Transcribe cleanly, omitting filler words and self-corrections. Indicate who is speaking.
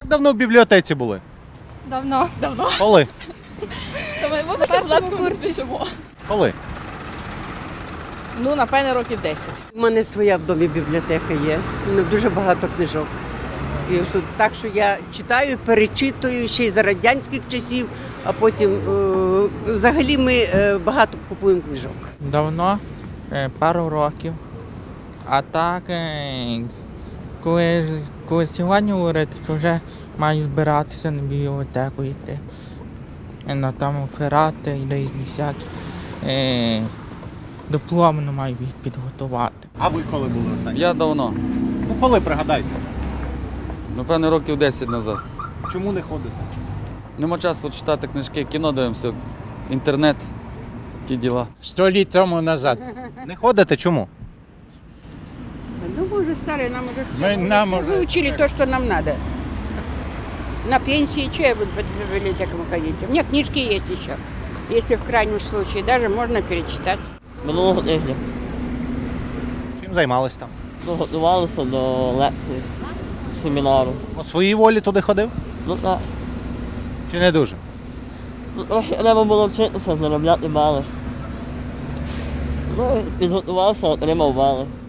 Speaker 1: Як давно в бібліотеці були?
Speaker 2: Давно.
Speaker 1: Коли?
Speaker 2: Ми першому курсі.
Speaker 1: Коли?
Speaker 3: Ну, напевно, років 10.
Speaker 4: У мене своя в домі бібліотека є, дуже багато книжок. І ось тут так, що я читаю, перечитую ще й за радянських часів, а потім взагалі ми багато купуємо книжок.
Speaker 5: Давно, пару років. А так, коли сьогодні говорити, то вже маю збиратися на бібліотеку йти. На там ферати і різні всякі. Дипломну маю підготувати.
Speaker 1: А ви коли були останні?
Speaker 6: Я давно.
Speaker 1: Ну коли, пригадайте?
Speaker 6: Напевно, років 10 назад.
Speaker 1: Чому не ходите?
Speaker 6: Нема часу читати книжки, кіно дивимося, інтернет, такі діла.
Speaker 7: 100 лет тому назад.
Speaker 1: Не ходите чому?
Speaker 3: Ну, мы уже старые, нам уже
Speaker 7: Нам уже
Speaker 3: выучили то, что нам надо. На пенсии, что я буду по библиотекам ходить? У меня книжки есть еще. Если в крайнем случае, даже можно перечитать.
Speaker 8: Минулого тижня.
Speaker 1: Чим займались там?
Speaker 8: Ну, готувалися до лекції, семінару.
Speaker 1: По своїй волі туди ходив?
Speaker 8: Ну так.
Speaker 1: Чи не дуже?
Speaker 8: Ну, трохи треба було вчитися, заробляти бали. Ну, підготувався, отримав бали.